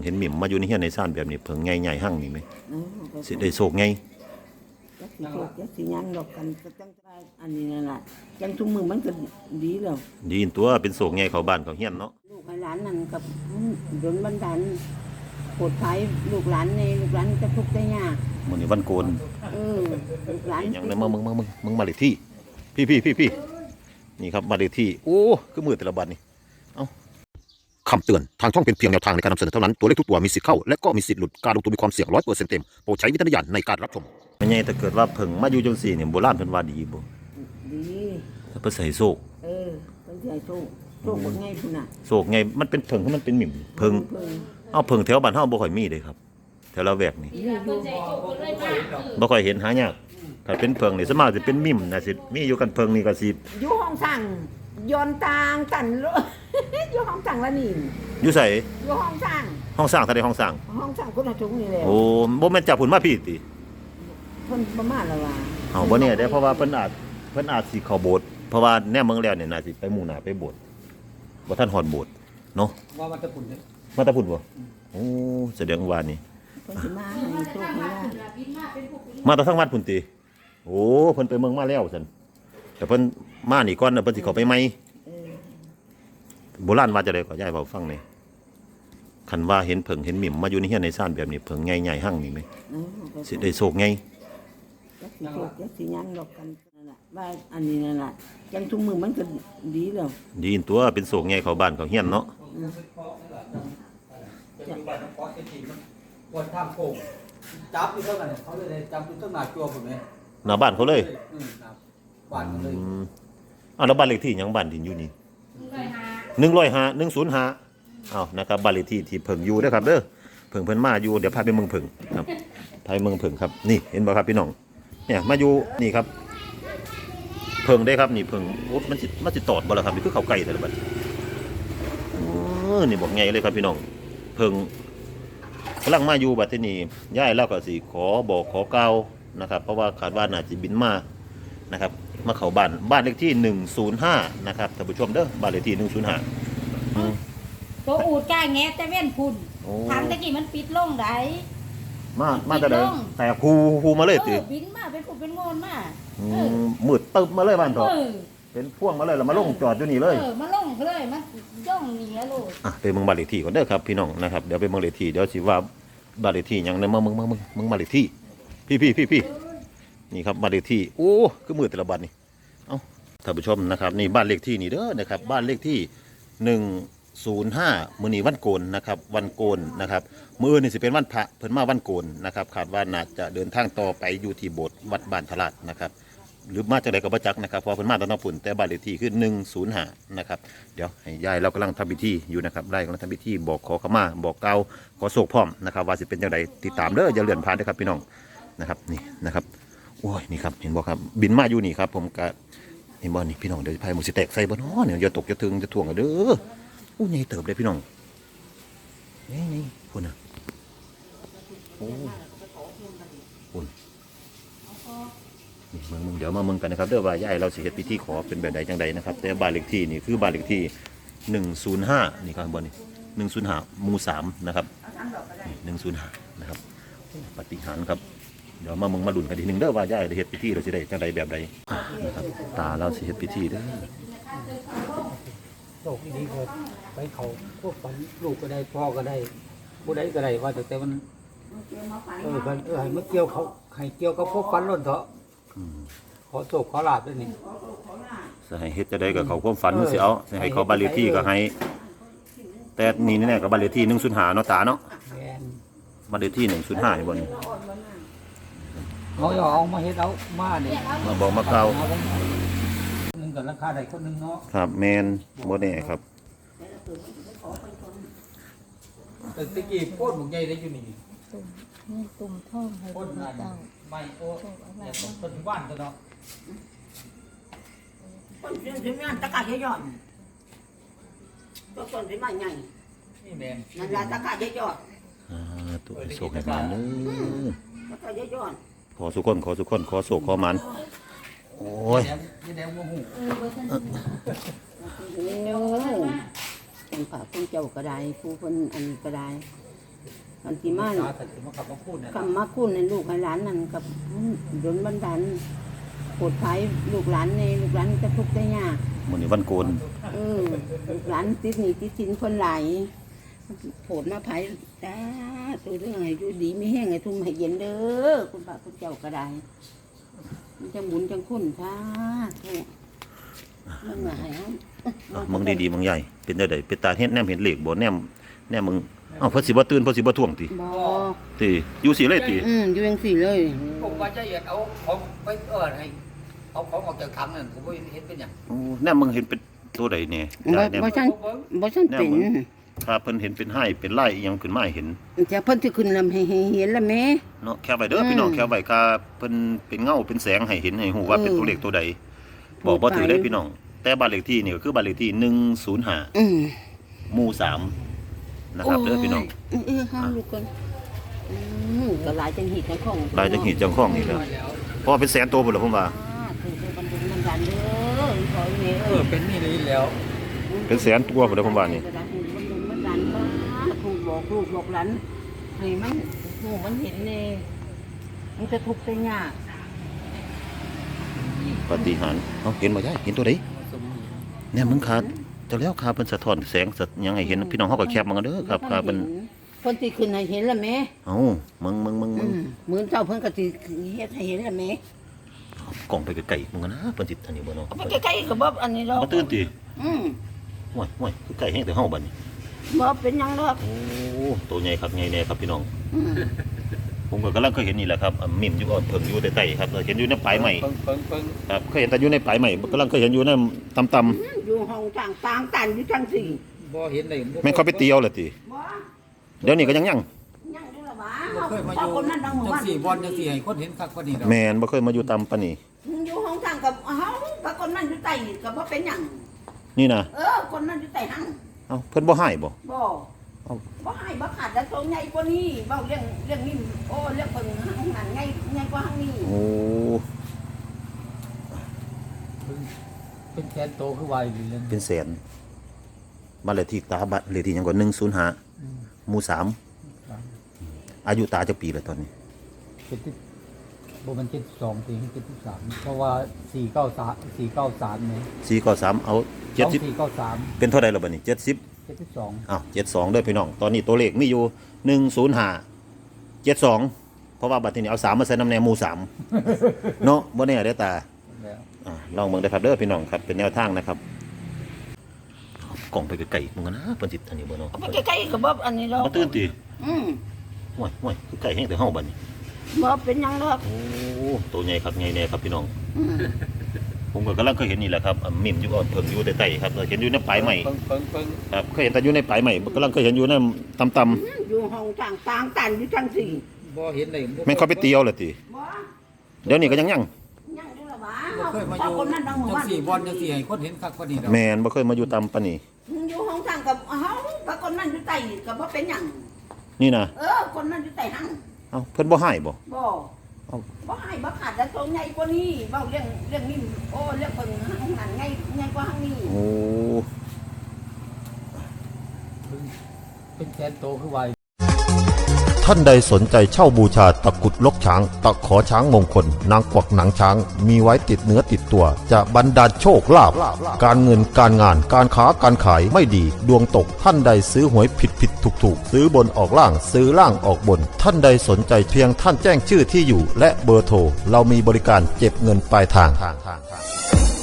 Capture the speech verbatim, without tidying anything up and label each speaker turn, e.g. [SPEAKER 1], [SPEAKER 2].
[SPEAKER 1] เห็นหมิ่มมาอยู่ในเฮียนในซ่านแบบนี้เพิ่งใหญ่ๆหั่งนี่ไหมสิได้โศกไง
[SPEAKER 2] จักสิโชคจักสิยังดอกกันก็จังว่าอันนี้นั่นล่ะจังทุกมือมันก็ดีแล้ว
[SPEAKER 1] ดีตัวเป็นโศกไงเขาบ้านเขาเฮียนเนาะ
[SPEAKER 2] ลูกหลานนั่นกับโดนบันดาลโปรดภัยลูกหลานในลูกหลานจะทุกข์ได้ยาก
[SPEAKER 1] มื้อนี้วันโกน
[SPEAKER 2] เออลูกหลาน
[SPEAKER 1] อย่างนั้นมึงมึงมึงมึงมาเลขที่พี่พี่พี่พี่นี่ครับมาเลขที่โอ้คือมือแต่ละบัดนี่เอ้าคำเตือนทางช่องเป็นเพียงแนวทางในการนำเสนอเท่านั้นตัวเลขทุกตัวมีสิทธิ์เข้าและก็มีสิทธิ์หลุดการลงทุนมีความเสี่ยงร้อยเปอร์เซ็นต์เต็มโปรดใช้วิจารณญาณในการรับชมไม่ใช่ถ้าเกิดว่าเพิ่งมาอยู่จังซี่เนี่ยโบราณเพิ่นว่าดีบ่
[SPEAKER 2] ดี
[SPEAKER 1] เพิ่นใส่โศก
[SPEAKER 2] เออเพิ่นสิให้โชคโชคบ่ง่ายพุ่นน่ะ
[SPEAKER 1] โศกไงมันเป็นเพิ่งมันเป็นหมิ่มเพิ่งเอาเพิ่งแถวบ้านเฮาบ่ค่อยมีเด้ครับแถวละแวกนี่บ่ค่อยเห็นหายากถ้าเป็นเพิ่งนี่ส่วนมากสิเป็นหมิ่มน่ะสิมีอยู่กันเพิ่งนี่ก็สิ
[SPEAKER 2] อยู่ห้องสั่งย้อนตางกันอยู่ห้องสั่งละนี่
[SPEAKER 1] อยู่ไส
[SPEAKER 2] อยู่ห้องสั่ง
[SPEAKER 1] ห้องสร้างเท่าใดห้องสร้าง
[SPEAKER 2] ห้องสั่งคนละถุงนี่แหละ
[SPEAKER 1] โอ้บ่แม่นจับพุ่นมาพี่ติ
[SPEAKER 2] เพิ่นประมาณละว่า
[SPEAKER 1] เอ้าบ่แน่เด้เพราะว่าเพิ่นอาจเพิ่นอาจสิเข้าโบสถ์เพราะว่าแนวเมืองแล้วเนี่ยน่าสิไปมุ่งหน้าไปโบสถ์บ่ทันฮอดโบสถ์เนาะ
[SPEAKER 3] ว่ามาตะพุ่นเด้
[SPEAKER 1] มาตะพุ่นบ่โอ้แสดงว่านี่
[SPEAKER 2] เพิ่นสิมาให้โชคให้ลาภ
[SPEAKER 1] มาตะทั้งวัดพุ่นติโอ้เพิ่นไปเมืองมาแล้วซั่นแต่เพิ่นมานี่ก่อนน่ะเพิ่นสิเข้าไปใหม่โบราณว่าจะได้ก็ยายเว้าฟังนี่คันว่าเห็นเพิ่งเห็นหมิ่มมาอยู่ในเฮียนในซ่านแบบนี้เพิ่งใหญ่ๆหั่งนี่มั้ยสิได้โศกไง
[SPEAKER 2] จักสิโชคจักสิยังดอกกันนั่นล่ะว่าอันนี้นั่นล่ะจังทุกมือมันก็ดีแล้ว
[SPEAKER 1] ดีตัวเป็นโศกไงเขาบ้านเขาเฮียนเนาะ
[SPEAKER 3] วันท่ามโป่งจับอยู่เท่ากันเขาเลยจับอยู่ตั้งหน้าจั่วพุ่นแม่
[SPEAKER 1] หน้าบ้านเขาเลย
[SPEAKER 3] อืมบ้านเขาเลย
[SPEAKER 1] อ้าวแล้วบ้านเลขที่หยังบ้านดินอยู่นี่หนึ่งร้อยห้า หนึ่งศูนย์ห้าอ้าวนะครับบ้านเลขที่ที่เพิ่งอยู่เด้อครับเด้อเพิ่งเพิ่นมาอยู่เดี๋ยวพาไปเมืองเพิ่งครับพาไปเมืองเพิ่งครับนี่เห็นบ่ครับพี่น้องเนี่ยมาอยู่นี่ครับเพิ่งได้ครับนี่เพิ่งโอ้มันสิมันสิตอดบ่ล่ะครับนี่คือเขาไก่แต่ละบัดเออนี่บอกไงเลยครับพี่น้องเพิ่งกำลังมาอยู่บัดนี้ย้ายแล้วก็สิขอบอกขอกล่าวนะครับเพราะว่าคาดว่าน่าจะบินมานะครับมาเข้าบ้านบ้านเลขที่หนึ่งศูนย์ห้านะครับท่านผู้ชมเด้อบ้านเลขที่หนึ่งศูนย์ห้าอืม
[SPEAKER 4] ตัวอูดก้าแงะแต่เว้นพุ่นทางตะกี้มันปิดลงได้
[SPEAKER 1] มามาแต่ใดแต่ครูครูมาเลยติ
[SPEAKER 4] บินมาเป็นผู้เป็นโงนมา
[SPEAKER 1] อืมมืดตึบมาเลยบ้านเถาะเป็นพ่วงมาเลยแล้วมาลงจอดอยู่นี่เลย
[SPEAKER 4] เออมาลงเลยมันย่องนี่แล้วลูก
[SPEAKER 1] อ่ะไปเมืองบ้านเลขที่ก่อนเด้อครับพี่น้องนะครับเดี๋ยวไปเมืองเลขที่เดี๋ยวสิว่าบ้านเลขที่หยังในเมืองเมืองเมืองเมืองบ้านเลขที่พี่พี่พี่พี่นี่ครับบ้านเลขที่โอ้คือมืดแต่ละบ้านนี่เอ้าท่านผู้ชมนะครับนี่บ้านเลขที่นี่เด้อนะครับบ้านเลขที่หนึ่งศูนย์ห้ามื้อนี้วันโกนนะครับวันโกนนะครับมื้อนี่สิเป็นวันพระเพิ่นมาวันโกนนะครับคาดว่าน่าจะเดินทางต่อไปอยู่ที่โบสถ์วัดบ้านทลาดนะครับหรือมาจากใดก็บ่จักนะครับเพราะเพิ่นมาตอนน้ำฝุ่นแต่บ้านเลขที่คือหนึ่งศูนย์ห้านะครับเดี๋ยวให้ยายเรากำลังทำพิธีอยู่นะครับได้กำลังทำพิธีบอกขอขมาบอกเกล่าวขอโศกพร้อมนะครับว่าสิเป็นจังไดติดตามเด้ออย่าเลื่อนผ่านเด้อครับพี่น้องนะครับนี่นะครับโอ้ยนี่ครับเห็นบ่ครับบินมาอยู่นี่ครับผมก็เห็นบ่นี่พี่น้องเดี๋ยวพายหมูสิแตกใส่บ่เนาะเนี่ยอย่าตกอย่าถึงจะถ่วงเด้ออู้ใหญ่เติบเลยพี่น้องนี่นี่พุ่นน่ะโอ้พุ่นนี่เมืองมึงเดี๋ยวมาเมืองกันนะครับเด้อว่ายายเราสิเฮ็ดพิธีขอเป็นแบบใดจังใดนะครับแต่บ้านเลขที่นี่คือบ้านเลขที่หนึ่งศูนย์ห้านี่ครับบนนี่หนึ่งศูนย์ห้าหมู่สามนะครับนี่หนึ่งศูนย์ห้านะครับปฏิหารครับเดี๋ยวมาเมืองมาลุ้นกันทีนึงเด้อว่ายายได้เฮ็ดพิธีเราสิได้จังใดแบบใดนะครับตาเราสิเฮ็ดพิธีเด้อ
[SPEAKER 3] โชคดีเกิดไปเขาพวกฝันลูกก็ได้พ่อก็ได้ผู้ใดก็ได้ว่าแต่มันเออกันเออให้มาเกี่ยวเขาให้เกี่ยวกับพวกฝันล้นเถาะขอโชคขอลาภด้วยนี่
[SPEAKER 1] สิให้เฮ็ดจะได้กับเขาความฝันมันสิเอาสิให้เขาบ้านเลขที่ก็ให้แต่นี่แน่ๆกับบ้านเลขที่หนึ่งศูนย์ห้าเนาะตาเนาะบ้านเลขที่หนึ่งศูนย์ห้านี่บ่นี่
[SPEAKER 3] เขาเอามาเฮ็ดเอามานี่
[SPEAKER 1] มาบอกมาเก่า
[SPEAKER 3] นึงกับราคาใดคนนึงเนาะ
[SPEAKER 1] ครับแมนบ่แน่ครับ
[SPEAKER 3] แต่ตะกี้โคตรหมุกใหญ่ได้อยู่นี่
[SPEAKER 4] ตุ่มนี่ตุ่มท่องให้คนเจ้า
[SPEAKER 3] ไม่โอ้เนี่ยต้นบ้านกันเนาะ
[SPEAKER 2] ต้นเรื่องงานตะกาเยอะๆต้นต้นที่มันใหญ่
[SPEAKER 3] นี่แม่น
[SPEAKER 2] นั่นล่ะตะกาเยอะ
[SPEAKER 1] ๆอ่าตัวโศกให้มันเด้อ
[SPEAKER 2] ตะกาเยอะ
[SPEAKER 1] ๆขอสุขคนขอสุขคนขอโศกขอมันโอ้ย
[SPEAKER 3] นี่แดงโมโห
[SPEAKER 2] โอ้เป็นฝ่าเป็นเจ้าก็ได้ผู้คนอันนี้ก็ได้อันที่มา
[SPEAKER 3] ตาสัตว์มาขับมาพูดนะ
[SPEAKER 2] คำมาคุ้นในลูกให้หลานนั่นกับโดนบันดาลปวดภัยลูกหลานในลูกหลานจะทุกข์ได้ยาก
[SPEAKER 1] มื้อนี้วันโกน
[SPEAKER 2] เออลูกหลานติดหนี้ติดสินคนหลายโผดมาภัยตาตัวเรื่องไงอยู่ดีไม่แห้งไงทุ่มให้เย็นเด้อคุณป้าคุณเจ้าก็ได้มันจะหมุนจังคุ้นท่าถูกมันมาให้เอา
[SPEAKER 1] อ่ะมึงดีๆมึงใหญ่เป็นได้ไดเป็นตาเฮ็ดแนมเห็นเลขบ่แนมแนมมึงเอ้าเพิ่นสิบ่ตื่นเพิ่นสิบ่ท่วงติ
[SPEAKER 2] บอ
[SPEAKER 1] ติอยู่สิเลยติ
[SPEAKER 2] อืมอยู่ยังสี่เลย
[SPEAKER 3] ผมว่าจะอยากเอาของไปเอิ้นให้เอาของออกจากถังนั่นผมบ่เห็นเป็นหยัง
[SPEAKER 1] โอ้แนมมึงเห็นเป็นตัวใดแน่
[SPEAKER 2] บ่
[SPEAKER 1] ได้แนม
[SPEAKER 2] บ่ชันบ่ชันเป็น
[SPEAKER 1] ครับเพิ่นเห็นเป็นไห้เป็นไล่อีหยังขึ้นมาให้เห็น
[SPEAKER 2] จะเพิ่นสิขึ้นลำให้ให้เห็นละแม่
[SPEAKER 1] เนาะแค่ไว้เด้อ
[SPEAKER 2] อืม
[SPEAKER 1] พี่น้องแค่ไว้ค่ะเพิ่นเป็นเงาเป็นแสงให้เห็นให้ฮู้ว่า
[SPEAKER 2] เออ
[SPEAKER 1] เป็นตัวเลขตัวใดบอกบ่ถือได้พี่น้อง แต่บ้านเลขที่นี่ก็คือบ้านเลขที่หนึ่งศูนย์ห้า
[SPEAKER 2] อืม
[SPEAKER 1] หมู่สามนะครับเด้อพี่น้อง
[SPEAKER 2] เออเออห้ามลูกก่อนอืมก็หลายจังหิดจังของ
[SPEAKER 1] ลายจังหีดจังข้องนี่แหล้วเพราะว่าเป็นแสนตัวพุ่นล่ะผมว่า
[SPEAKER 2] อ่าคือคือบันดุงมันดันเด้อขอแม่
[SPEAKER 3] เอ
[SPEAKER 2] เอ
[SPEAKER 3] อ
[SPEAKER 2] อ
[SPEAKER 3] เป็นนี่เลยแล้ว
[SPEAKER 1] เป็นแสนตัวพุ่นล่ะผมว่านี่
[SPEAKER 2] บันดุงมันดันบ้าถูกบอกลูกบอกหลานให้มันหูมันเห็นแน่มันจะทุกข์ได้ยาก
[SPEAKER 1] ปาฏิหาริย์เอ้าเห็นบ่ยายเห็นตัวใดแน่มึงขาดจะแล้วขาเพิ่นสะท้อนแสงสะหยังให้เห็นพี่น้องเฮาก็แคปมันเด้อครับขาเพิ่น
[SPEAKER 2] คนที่ขึ้นให้เห็นละแม่
[SPEAKER 1] เอ้ามึงมึงมึงมึง
[SPEAKER 2] มื้อเช้าเพิ่นก็สิเฮ็ดให้เห็นละแม่
[SPEAKER 1] กล่องไปไกลๆมึงกันนะเพิ่นสิอันนี้บ่เนาะ
[SPEAKER 2] เอาไปใกล้ๆก็บ่อันนี้ดอก
[SPEAKER 1] บ่ตื่นติ
[SPEAKER 2] อืม
[SPEAKER 1] ห่วยห่วยคือไกลแฮงแต่เฮาบัดนี้
[SPEAKER 2] บ่เป็นหยังดอก
[SPEAKER 1] โอ้ตัวใหญ่ครับใหญ่แน่ครับพี่น้อง
[SPEAKER 2] อืม
[SPEAKER 1] ผมก็กำลังเคยเห็นนี่แหละครับอ่ะมิ่มอยู่อ่อนเพิ่งอยู่ใต้ๆครับเราเห็นอยู่ในปลายใหม่
[SPEAKER 3] เปิงเปิงเปิง
[SPEAKER 1] ครับเคยเห็นแต่อยู่ในปลายใหม่กำลังเคยเห็นอยู่ในต่ำ
[SPEAKER 2] อยู่ห้องทางต่างตันอยู่จังสี่
[SPEAKER 3] บ่เห็นเลย
[SPEAKER 1] ๆแม่นเขาไปเตียวเลยติ
[SPEAKER 2] บ่
[SPEAKER 1] เดี๋ยวนี้ก็ยังยัง
[SPEAKER 2] ยังอยู่ละหวะ
[SPEAKER 3] บ่เคยมาอ
[SPEAKER 2] เอา
[SPEAKER 3] ยู่
[SPEAKER 2] คนนั้นดังหมู่
[SPEAKER 3] จัง
[SPEAKER 2] บ้าน
[SPEAKER 3] สี่บอลจังสี่ให้คนเห็นคักกว่านี้ดอก
[SPEAKER 1] แม่นบ่เคยมาอยู่ต่ำปานนี้
[SPEAKER 2] อยู่ห้องทางกับเฮากับคนนั้นอยู่ใต้ก็บ่เป็นหยัง
[SPEAKER 1] นี่นะ
[SPEAKER 2] เออคนนั้นอยู่ใต้หัง
[SPEAKER 1] เอ้าเพิ่นบ่ให้บ่
[SPEAKER 2] บ่
[SPEAKER 1] เอ้า
[SPEAKER 2] บ่ให้บ่ขาดแล้วตัวใหญ่กว่านี้เว้าเรื่องเรื่องนี้โอ้เรื่องเพิ่นหังนั้นใหญ่ใหญ่กว่าหังนี้
[SPEAKER 1] โอ้
[SPEAKER 3] เป็นแขนโตคือวายอยู่เลย
[SPEAKER 1] เป็นแสนบ้านเลขที่ตาบัตรเลขที่หยังก่อนหนึ่งศูนย์ห้าหมู่สามอายุตาจักปีแล้วตอนนี้
[SPEAKER 3] เจ็ดสิบบ่มันเจ็ดสิบสองปีเจ็ดสิบสามเพราะว่าสี่เก้าสามสี่เก้าสามเนี่ย
[SPEAKER 1] สี่ก็สามเอาเจ็ดสิบ
[SPEAKER 3] สี่เก้าสาม
[SPEAKER 1] เป็นเท่าใดแล้วบัดนี้เจ็ดสิบ
[SPEAKER 3] เจ็ดสิบสอง
[SPEAKER 1] อ้าวเจ็ดสองเด้อพี่น้องตอนนี้ตัวเลขมีอยู่หนึ่งศูนย์ห้าเจ็ดสองเพราะว่าบัดทีนี้เอาสามมาใส่น้ำแนวหมู่สาม เนาะบ่แน่เด้อตา
[SPEAKER 3] แล้ว
[SPEAKER 1] อ่าลองเบิ่งได้อครับเด้อพี่น้องครับเป็นแนวทางนะครับกล่องไปไกลๆมึงกันนะเพิ่นสิอันนี้บ่เนาะ
[SPEAKER 2] เอาไปใกล้ๆก็บ่อันนี้ดอก
[SPEAKER 1] บ่ตื่นติ
[SPEAKER 2] อืม
[SPEAKER 1] ห่วยห่วยคือไกลแฮงแต่เฮาบัดนี้
[SPEAKER 2] บ่เป็นหยังดอก
[SPEAKER 1] โอ้ตัวใหญ่ครับใหญ่แน่ครับพี่น้อง
[SPEAKER 2] อืม
[SPEAKER 1] ผมก็กำลังเคยเห็นนี่แหละครับอ่ะมิ่มอยู่อ่อนเพิ่งอยู่ใต้ๆครับเราเห็นอยู่ในปลายใหม่
[SPEAKER 3] เปิงเปิงเปิง
[SPEAKER 1] ครับเคยเห็นแต่อยู่ในปลายใหม่กำลังเคยเห็นอยู่ในต่ำ
[SPEAKER 2] อยู่ห้องทางต่างตันอยู่จังสี่
[SPEAKER 3] บ่เห็นเลย
[SPEAKER 1] ๆแม่นเขาไปเตียวเลยติ
[SPEAKER 2] บ่
[SPEAKER 1] เดี๋ยวนี้ก็ยังยัง
[SPEAKER 2] ยังอยู่ละหวะ
[SPEAKER 3] บ่เคยมาอ
[SPEAKER 2] เอา
[SPEAKER 3] ยู่
[SPEAKER 2] คนนั้นดังหมู่
[SPEAKER 3] จัง
[SPEAKER 2] บ้าน
[SPEAKER 3] สี่บอลจังสี่ให้คนเห็นคักกว่านี้ดอก
[SPEAKER 1] แม่นบ่เคยมาอยู่ต่ำปานนี้
[SPEAKER 2] อยู่ห้องทางกับเฮากับคนนั้นอยู่ใต้ก็บ่เป็นหยัง
[SPEAKER 1] นี่นะ
[SPEAKER 2] เออคนนั้นอยู่ใต้หัง
[SPEAKER 1] เอ้าเพิ่นบ่ให้บ่
[SPEAKER 2] บ่
[SPEAKER 1] เอ้า
[SPEAKER 2] บ่ให้บ่ขาดแล้วตัวใหญ่กว่านี้เว้าเรื่องเรื่องนี้โอ้เรื่องเพิ่นหังนั้นใหญ่ใหญ่กว่าหังนี้
[SPEAKER 1] โอ้
[SPEAKER 3] เป็นแขนโตคือวาย
[SPEAKER 5] ท่านใดสนใจเช่าบูชาตะกรุดลกช้าง ตะขอช้างมงคล นางกวักหนังช้าง มีไว้ติดเนื้อติดตัว จะบรรดาลโชคลาภการเงินการงานการค้าการขายไม่ดี ดวงตกท่านใดซื้อหวยผิดผิดถูกถูกซื้อบนออกล่างซื้อล่างออกบน ท่านใดสนใจเพียงท่านแจ้งชื่อที่อยู่ และเบอร์โทรเรามีบริการเก็บเงินปลายทาง